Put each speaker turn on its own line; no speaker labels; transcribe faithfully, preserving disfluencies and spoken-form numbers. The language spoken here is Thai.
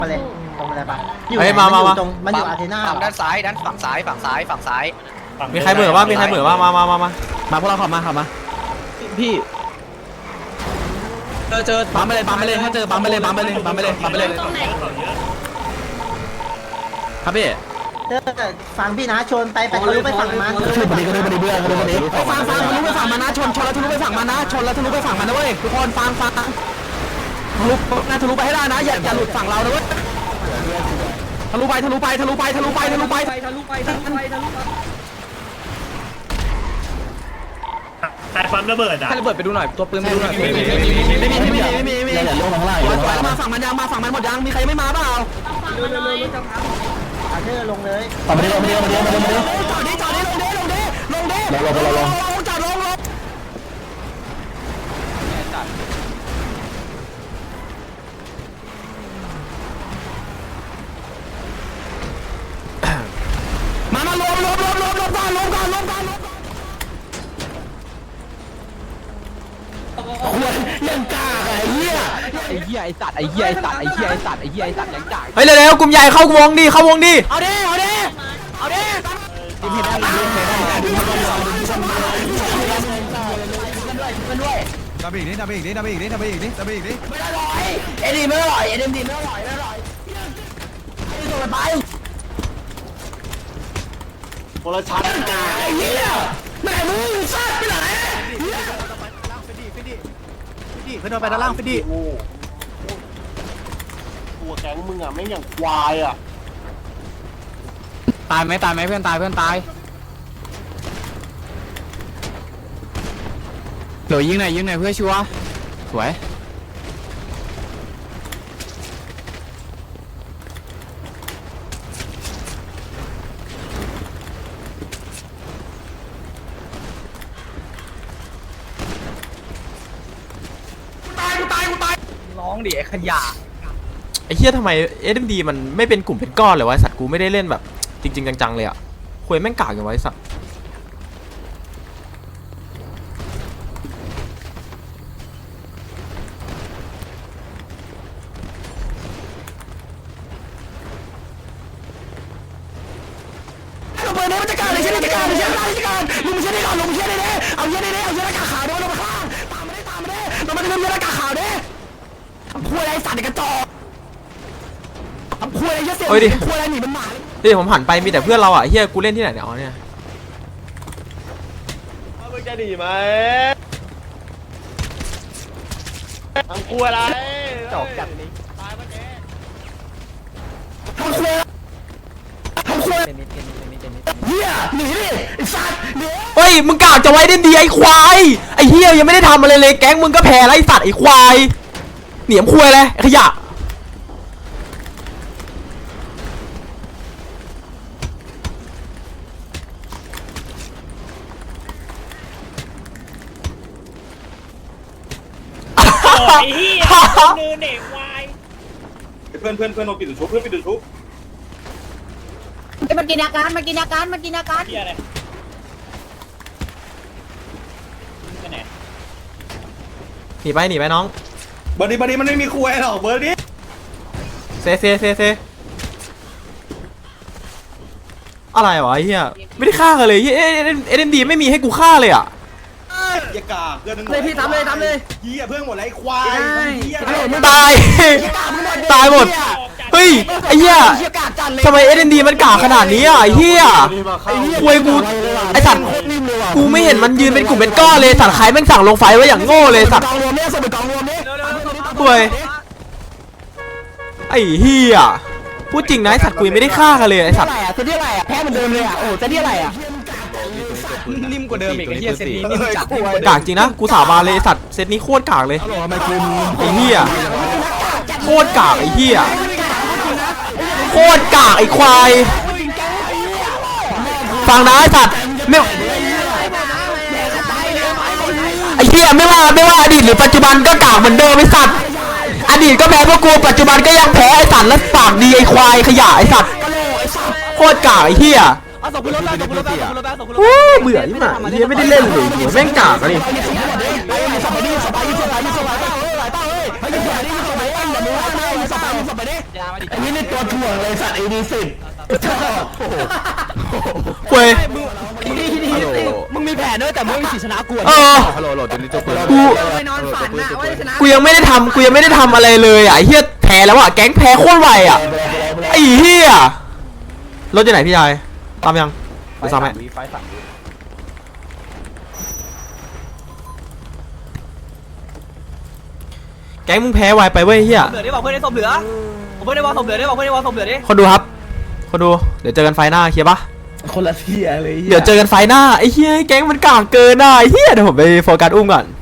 มาเลยตรงอะไรปะ
เฮ้ยมามามา
ตรงมันอยู่อาร์เทน่า
ฝั่งด้านซ้ายด้านฝั่งซ้ายฝั่งซ้ายฝั่งซ้าย
มีใครเหมือว่ามีใครเหมือว่ามามามามามาพวกเราขับมาขับมาพี่เจอเจอปั๊มไปเลยปั๊มไปเลยถ้าเจอปั๊มไปเลยปั๊มไปเลยปั๊มไปเลยปั๊มไปเลยครับพี่
เออฟังพี่นะชนไปไปทะลุไปฝั่งมัน
ขึ้นไปดีก็ได้ไปดีเบื่อก็ได้ไปดีฟังฟังทะลุไปฝั่งมันนะชนชนแล้วทะลุไปฝั่งมันนะชนแล้วทะลุไปฝั่งมันนะเว้ยทุกคนฟังฟังทะลุนะทะลุไปให้ได้นะอย่าอย่าหลุดฝั่งเรานะเว้ยทะลุไปทะลุไปทะลุไปทะลุไปทะลุไปทะลุไปทะลุไปทะลุไป
ใครปั๊มระเบิดอ่ะ
ให้ระเบิดไปดูหน่อยตัวปืนไปดูหน่อยไม่มีไม่มีไม่มีไม่มีไม่มีไม่มีอย่าลงข้างล่างอย่าลงข้างล่างมาฝั่งมันยังมาฝั่งมันหมดยังมีใครไม่มาเปล่า
อาร์เธอร์ลงเลย
ต่อมาดิลงมาดิลงมาดิลงมาดิจอดดิจอดดิลงดิลงดิลงดิลงลงลงลงจอดลงลงมามาลงลงลงลงลงก่อนลงก่อนลงก่อนยังกล้าไอ้เหี้ยไอ้เหี้ยไอ้สัตว์ไอ้เหี้ยไอ้สัตว์ไอ้เหี้ยไอ้สัตว์ไอ้เหี้ยไอ้สัตว์ยังกล้าเฮ้ยเร็วๆกลุ่มใหญ่เข้าวงดิเข้าวงดิเอาดิเอาดิเอาดิดิมเห็นได้ดิมเห็นได้ดิมเห็นได้ด้วย
ดับอีกนิดดับอีกนิดดับอีกนิดดับอีกนิดดับอีกนิด
ไม่อร่อยเอ็ดดี้ไม่อร่อยเอ็ดดี้ไม่อร่อยไม่อร่อยไอ้ตัวไปคนละชั้นไอ้เหี้ยแม่มึงซัดไปไหน
ขึ้นไปด้านล่างฟิดดี้
ตัวแก๊งมึงอ่ะไม่อย่างควายอ่ะ
ตายไหมตายไหมเพื่อนตายเพื่อนตายเดี๋ยวยิงหน่อยยิงหน่อยเพื่อชัวร์สวยร้องดิไอ้ขยะไอ้เหี้ยทำไม เอ็ม ดี มันไม่เป็นกลุ่มเป็นก้อนเลยวะสัตว์กูไม่ได้เล่นแบบจริงๆจังๆเลยอ่ะคุยแม่งกากอย่างไว้สัตว์เปิดในบรรยากาศเลยใช่ไหมบรรยากาศเลยใช่ไหมบรรยากาศลุงไม่ใช่ได้ก่อนลุงไม่ใช่ได้เด้เอาเยอะได้เด้เอาเยอะหน้ากากขาวเด้ลงมาข้างตามมาได้ตามมาได้ลงมาเรื่องเยอะหน้ากากขาวเด้ทำคุยอะไรสัตว์ในกระจอกทำคุยอะไรเยอะเสียคุยอะไรหนีมันหมาดิผมหันไปมีแต่เพื่อนเราอ่ะเฮียกูเล่นที่ไหนเนี่ยอ๋อเนี่ย
มึงจะดีไหมทำครัวอะไรจอกจัดนี้ตายปะแก
ทำคุยทำคุยเฮียหนีดิไอ้สัตว์เฮ้ยมึงกล่าวจะไว้ได้ดีไอ้ควายไอ้เฮียยังไม่ได้ทำอะไรเลยแก๊งมึงก็แพ้ไอ้สัตว์ไอ้ควายเหนียมคุยเลยขยะ
โอ้ยเฮียนือเด็กวาย
เพื่อนเพื่อนเพื่อนมาปิดตัวชุบเพื่อนปิดตัวชุบ
มันกินอาการมันกินอาการมันกินอาการ
เฮียอะไรไปไหน
หนีไปหนีไปน้อง
เบอร์ดี้เบอร์ดี้มันไม่มีครัวหรอกเบอร์ดี้
เซเซเซเซอะไรวะไอ้เฮียไม่ได้ฆ่ากันเลยเฮ้ยเอ็มดีไม่มีให้กูฆ่าเลยอ่ะ
อย่ากาเพื่อนนึง
เลยพี่ทำเลยทำเลย
เหี้ยเพื่อนหมดไรควายเหี้ย
ตายตายหมดเฮ้ยไอ้เหี้ยทำไมเอ็มดีมันกากขนาดนี้อ่ะไอ้เหี้ยควยกูไอ้สัตว์กูไม่เห็นมันยืนเป็นกลุ่มเป็นก้อนเลยสัตว์ใครแม่งสั่งลงไฟไว้อย่างโง่เลยสัตว์ควยไอ้เหี้ยพูดจริงนะไอ้สัตว์กูยังไม่ได้ฆ่ากันเลยไอ้สัตว์
จะที่อะไรอ่ะแพ้เหมือนเดิมเลยอ่ะโอ้จะที่อะไรอ่ะ
นิ่มกว่าเดิมอีกไอ้เหี้ยเซตนี้นิ่มจัดกากจริงนะกูสาบานเลยไอ้สัตว์เซตนี้โคตรกากเลยไอ้เหี้ยโคตรกากไอ้เหี้ยโคตรกากไอ้ควายฟังนะไอ้สัตว์ไม่ไอ้เหี้ยไม่ว่าไม่ว่าอดีตหรือปัจจุบันก็กากเหมือนเดิมไอ้สัตว์อดีตก็แพ้พวกกูปัจจุบันก็ยังแพ้ไอ้สัตว์และปากดีไอ้ควายขยะไอ้สัตว์โคตรกากไอ้เหี้ยโอ้เบื่อยิ่งหนาเหี้ยไม่ได้เล่นเลยหัวแม่งกากเลยไอ้นี่นี่ตัวถ่วงเลยสัตว์ไอ้ดีสิบ
ป่วย
มึงมีแผนด้วยแต่มึงไม่มีสิทธิ์ชนะกู
เออ
ฮัลโหลโหลเดี๋ยวนี้จบ
กู
ไปนอนฝันนะว่าจะชนะ
กูยังไม่ได้ทำกูยังไม่ได้ทำอะไรเลยอ่ะไอ้เฮียแพ้แล้วอ่ะแก๊งแพ้โคตรไวอ่ะไอ้เฮียรถอยู่ไหนพี่ชายตามยังไปซ้ำไหมแก๊งมึงแพ้ไวไปเว้ยเฮีย
เหลือได้บอกเพื่อนได้ศพเหลือผมเพื่อนได้บอกศพเหลือได้บอกเพื่อนได้บอกศพเหลือดิ
คนดูครับคนดูเดี๋ยวเจอกันไฟหน้าเคลียร์ปะ
คนละเที่ยเลย
เดี๋ยวเจอกันไฟหน้าไอ้เฮียแก๊งมันกากเกินอ่ะไอ้เฮียเดี๋ยวผมไปโฟกัสอุ้มก่อน